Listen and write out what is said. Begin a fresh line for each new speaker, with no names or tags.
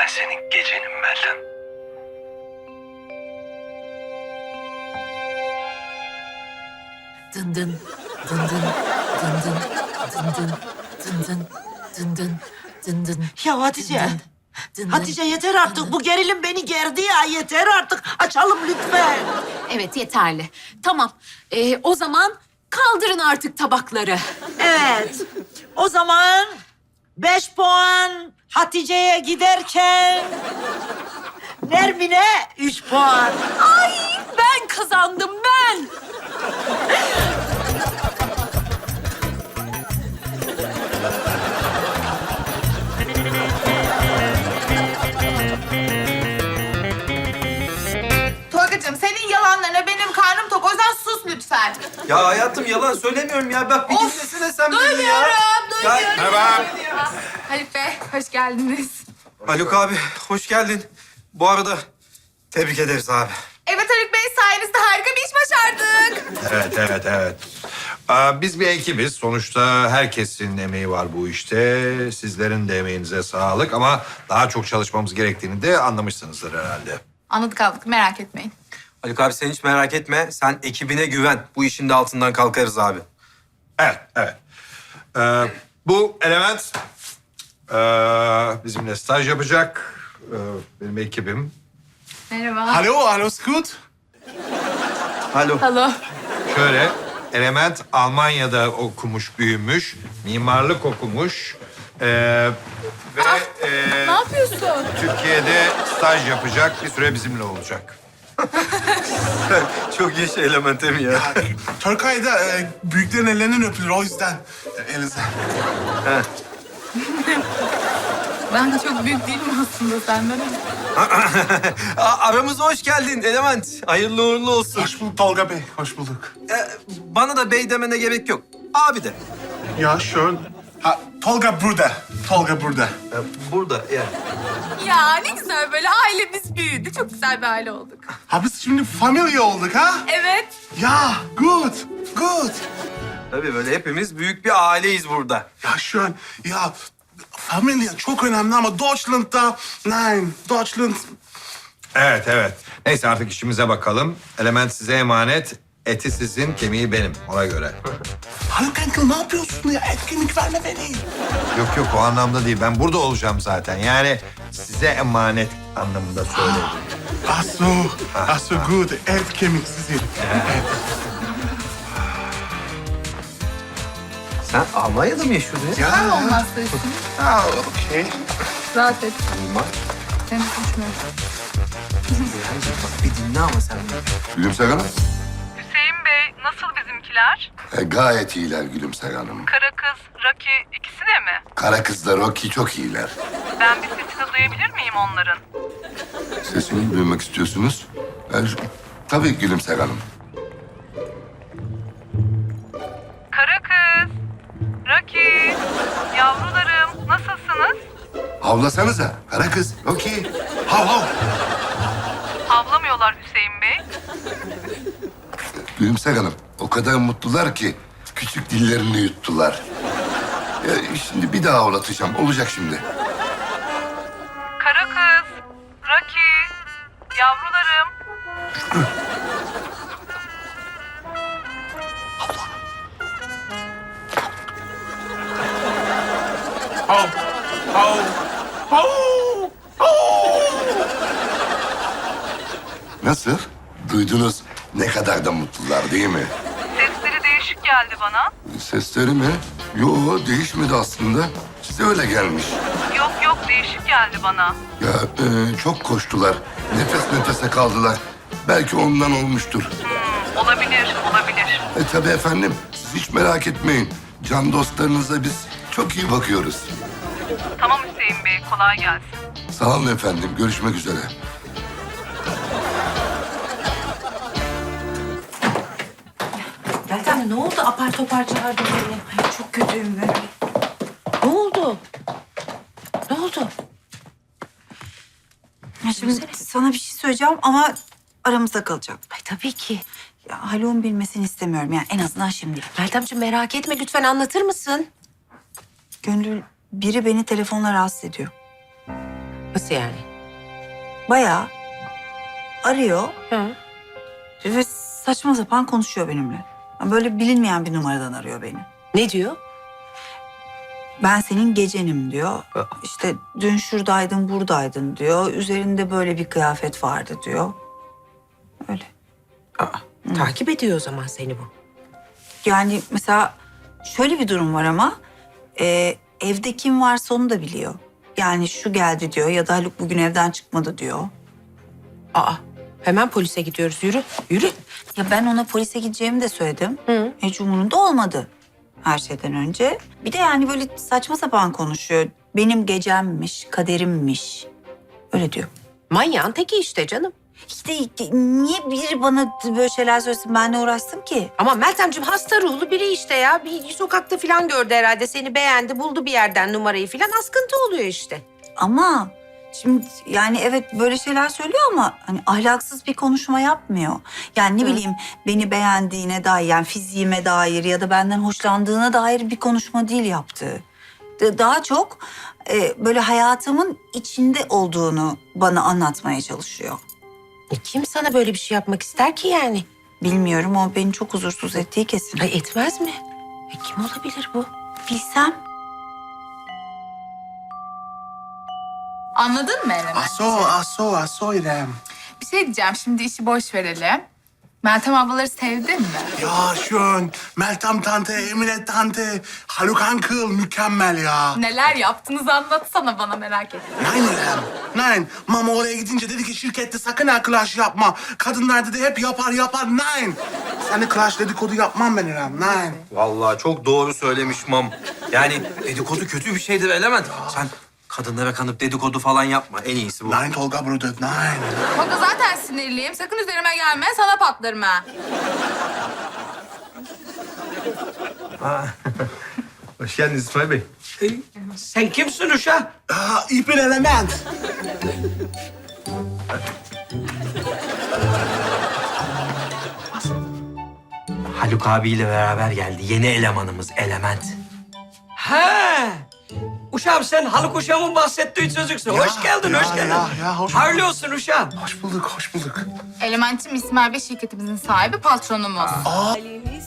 senin gecenim Meltem.
Dın dın, dın dın, dın dın, dın dın, dın dın, dın dın, dın dın.
Ya Hatice.
Dın dın, dın dın,
Hatice yeter
dın
artık.
dın.
Bu gerilim beni gerdi ya. Yeter artık. Açalım lütfen.
Evet yeterli. Tamam. O zaman kaldırın artık tabakları.
Evet. O zaman 5 puan Hatice'ye giderken Nermin'e 3 puan.
Ay ben kazandım ben.
Tolgacığım senin yalanlarına benim karnım tok. O yüzden sus lütfen.
Ya hayatım yalan söylemiyorum ya. Bak bir dinlesene sen beni ya.
Duymuyorum.
Ya,
Merhaba.
Haluk Bey, hoş geldiniz.
Haluk abi hoş geldin. Bu arada tebrik ederiz abi.
Evet Haluk Bey, sayenizde harika bir iş başardık.
Evet. Biz bir ekibiz. Sonuçta herkesin emeği var bu işte. Sizlerin de emeğinize sağlık ama daha çok çalışmamız gerektiğini de anlamışsınızdır herhalde.
Anladık aldık, merak etmeyin.
Haluk abi sen hiç merak etme. Sen ekibine güven. Bu işin de altından kalkarız abi.
Evet. Bu element bizimle staj yapacak. Benim ekibim.
Merhaba.
Hallo, alles gut?
Alo.
Hello.
Şöyle, element Almanya'da okumuş, büyümüş, mimarlık okumuş. Ve
Ne yapıyorsun?
Türkiye'de staj yapacak, bir süre bizimle olacak.
Çok iyi şey elementim ya.
Türkiye'de büyüklerin ellerinden öpülür o yüzden. Elinizden.
Ben çok büyük değilim aslında senden.
Aramıza hoş geldin element. Hayırlı uğurlu olsun.
Hoş bulduk Tolga Bey, hoş bulduk.
Bana da bey demene gerek yok. Abi de.
Ya schön. Ha, Tolga burada. Tolga burada.
Burada yani.
Ya ne güzel böyle ailemiz büyüdü. Çok güzel bir aile olduk.
Ha biz şimdi familya olduk ha?
Evet.
Ya, good, good.
Tabii böyle hepimiz büyük bir aileyiz burada.
Ya schön. Ya familya çok önemli ama Deutschland'da... Nein, Deutschland...
Evet. Neyse artık işimize bakalım. Element size emanet, eti sizin, kemiği benim. Ona göre.
Haluk Enkel ne yapıyorsun ya? Etkinlik verme beni.
Yok o anlamda değil. Ben burada olacağım zaten. Yani size emanet anlamında söyledim.
Ach so, good. Et kemiksiz.
Sen Almanya'da mı yaşıyordun ya?
Ya,
Olmazsa üstüne.
ha, okey.
Rahat et. Seni konuşmuyorum.
Bak bir dinle ama sen.
Gülümser Hanım.
Hüseyin Bey, nasıl bizimkiler?
Gayet iyiler Gülümser Hanım.
Kara kız, Raki ikisi de mi?
Kara kızlar Rocky çok iyiler.
Ben bir sesini duyabilir miyim onların?
Sesini duymak istiyorsunuz. Tabii Gülümser Hanım.
Kara kız, Raki, yavrularım nasılsınız?
Havlasanıza. Kara kız Rocky. Hav hav.
Havlamıyorlar Hüseyin Bey.
Gülümser Hanım o kadar mutlular ki küçük dillerini yuttular. Şimdi bir daha havlatacağım. Olacak şimdi.
Kara kız, Raki, yavrularım.
Hav, hav, hav, hav.
Nasıl? Duydunuz ne kadar da mutlular değil mi?
Sesleri değişik geldi bana.
Sesleri mi? Yo değişmedi aslında. Size öyle gelmiş.
Yok değişik geldi bana.
Ya çok koştular. Nefes nefese kaldılar. Belki ondan olmuştur.
Olabilir.
Tabii efendim. Siz hiç merak etmeyin. Can dostlarınıza biz çok iyi bakıyoruz.
Tamam Hüseyin Bey, kolay gelsin.
Sağ olun efendim. Görüşmek üzere.
Meltem ne oldu? Apar topar çağırdın beni. Ay, çok kötüyüm ben. Ne oldu? Ne oldu?
Ya şimdi sana bir şey söyleyeceğim ama aramızda kalacak.
Ay tabii ki.
Ya Haluk'un bilmesini istemiyorum yani en azından şimdi.
Meltemciğim merak etme lütfen anlatır mısın?
Gönül biri beni telefonla rahatsız ediyor.
Nasıl yani?
Bayağı arıyor
Hı.
ve saçma sapan konuşuyor benimle. Yani böyle bilinmeyen bir numaradan arıyor beni.
Ne diyor?
Ben senin gecenim diyor. İşte dün şuradaydın, buradaydın diyor. Üzerinde böyle bir kıyafet vardı diyor. Öyle.
Takip ediyor o zaman seni bu.
Yani mesela şöyle bir durum var ama evde kim varsa onu da biliyor. Yani şu geldi diyor ya da Haluk bugün evden çıkmadı diyor.
Aa, hemen polise gidiyoruz. Yürü, yürü.
Ya ben ona polise gideceğimi de söyledim.
Hı.
Hiç umurunda olmadı her şeyden önce. Bir de yani böyle saçma sapan konuşuyor. Benim gecemmiş, kaderimmiş. Öyle diyor.
Manyağın teki işte canım.
İşte niye biri bana böyle şeyler söylesin, benle uğraşsın ki?
Ama Meltemciğim hasta ruhlu biri işte ya. Bir sokakta falan gördü herhalde. Seni beğendi, buldu bir yerden numarayı falan. Askıntı oluyor işte.
Ama şimdi yani evet böyle şeyler söylüyor ama hani ahlaksız bir konuşma yapmıyor. Yani ne bileyim beni beğendiğine dair, yani fiziğime dair ya da benden hoşlandığına dair bir konuşma değil yaptığı. Daha çok böyle hayatımın içinde olduğunu bana anlatmaya çalışıyor.
Kim sana böyle bir şey yapmak ister ki yani?
Bilmiyorum, o beni çok huzursuz ettiği kesin.
Ay etmez mi? Kim olabilir bu?
Bilsem.
Anladın mı Eren'i?
Aso İrem.
Bir şey diyeceğim, şimdi işi boş verelim. Meltem ablaları sevdin mi?
Ya schön. Meltem tante, Emine tante, Haluk uncle mükemmel ya.
Neler yaptınız anlatsana bana, merak ettim.
Nein İrem. Nein. Mama oraya gidince dedi ki şirkette sakın ha clash yapma. Kadınlar dedi hep yapar. Nein. Seninle clash dedikodu yapmam ben İrem. Nein.
Vallahi çok doğru söylemiş mam. Yani dedikodu kötü bir şeydir Element. Sen kadınlara kanıp dedikodu falan yapma. En iyisi bu.
Nein Tolga Bruder, nein.
Tolga zaten sinirliyim. Sakın üzerime gelme, sana patlarım ha.
Hoş geldiniz İsmail Bey.
Sen kimsin uşa?
Aa, ich bin Element.
Haluk abiyle beraber geldi. Yeni elemanımız Element. He! Uşağım sen Haluk uşağımın bahsettiği çocuksun. Hoş geldin, hoş geldin.
Hoş
Hayırlı olsun uşağım.
bulduk.
Elementçim İsmail Bey şirketimizin sahibi, patronumuz.
Halimiz